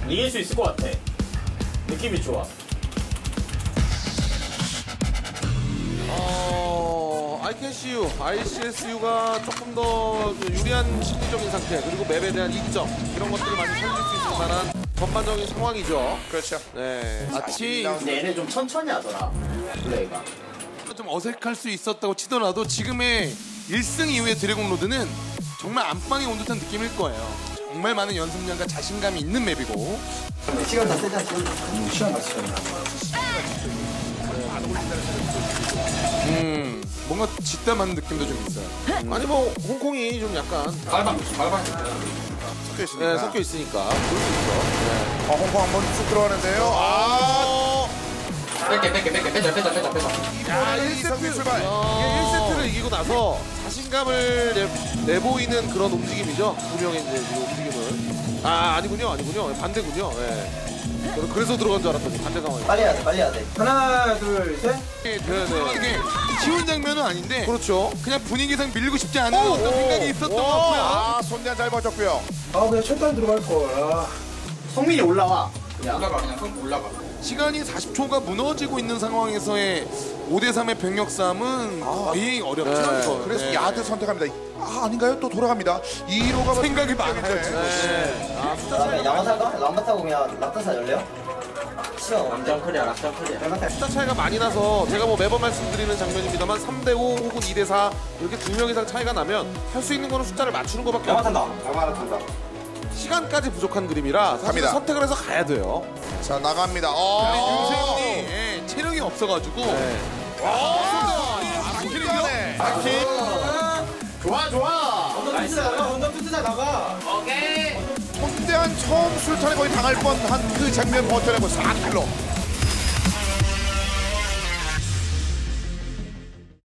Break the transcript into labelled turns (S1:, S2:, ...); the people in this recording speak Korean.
S1: 이길 수 있을 것 같아. 느낌이 좋아.
S2: ICSU, ICSU가 조금 더 유리한 심리적인 상태 그리고 맵에 대한 이점 이런 것들을 많이 살릴 수 있을 만한 전반적인 상황이죠.
S3: 그렇죠.
S2: 네. 마치
S1: 근데 얘네 좀 천천히 하더라. 플레이가.
S4: 좀 어색할 수 있었다고 치더라도 지금의 1승 이후의 드래곤 로드는 정말 안방에 온 듯한 느낌일 거예요. 정말 많은 연습량과 자신감이 있는 맵이고.
S1: 시간 다 세지 않죠? 시간 다 쓰잖아.
S4: 뭔가 뒷담하는 느낌도 좀 있어요.
S2: 아니 뭐 홍콩이 좀 약간
S1: 발방.
S3: 섞여 있으니까.
S2: 네, 섞여 있으니까 그럴 수 있죠. 네.
S3: 홍콩 한번 쑥 들어가는데요.
S1: 빼자.
S3: 야, 1세트 출발.
S2: 이게 1세트를 이기고 나서 자신감을 내보이는 그런 움직임이죠. 두 명의 이제 이 움직임을. 아니군요. 반대군요. 예. 그래서 들어간 줄 알았더니 반대 상황이에요.
S1: 빨리 해야 돼. 하나, 둘, 셋.
S2: 네.
S4: 이게 쉬운 장면은 아닌데
S2: 그렇죠.
S4: 그냥 분위기상 밀리고 싶지 않은 어떤 생각이 있었던 것 같고요.
S3: 아, 손대한 잘 버텼고요.
S1: 그냥 철단 들어갈 걸. 성민이 올라와. 그냥 올라가.
S4: 시간이 40초가 무너지고 있는 상황에서의 5대3의 병력 싸움은 거의 어렵죠.
S2: 네.
S4: 이거.
S3: 그래서
S4: 네.
S3: 야드 선택합니다. 아닌가요? 또 돌아갑니다. 2로가
S4: 생각이 많아요, 지금.
S2: 네.
S5: 그다음에 양화살까? 람바타고 그냥 락타사 열래요? 싫어.
S1: 락장 클리어.
S2: 숫자 차이가 많이 나서 제가 뭐 매번 말씀드리는 장면입니다만 3대5 혹은 2대4 이렇게 2명 이상 차이가 나면 할 수 있는 거는 숫자를 맞추는 것밖에 없어요.
S5: 양화탄다.
S2: 시간까지 부족한 그림이라 사실
S3: 갑니다.
S2: 선택을 해서 가야 돼요.
S3: 자, 나갑니다.
S4: 윤세훈이 체력이 없어가지고
S2: 네.
S1: 좋아.
S5: 언더 투자 나가.
S1: 오케이.
S3: 손대한 처음 술탄에 거의 당할 뻔한 그 장면 버텨내고 4킬로.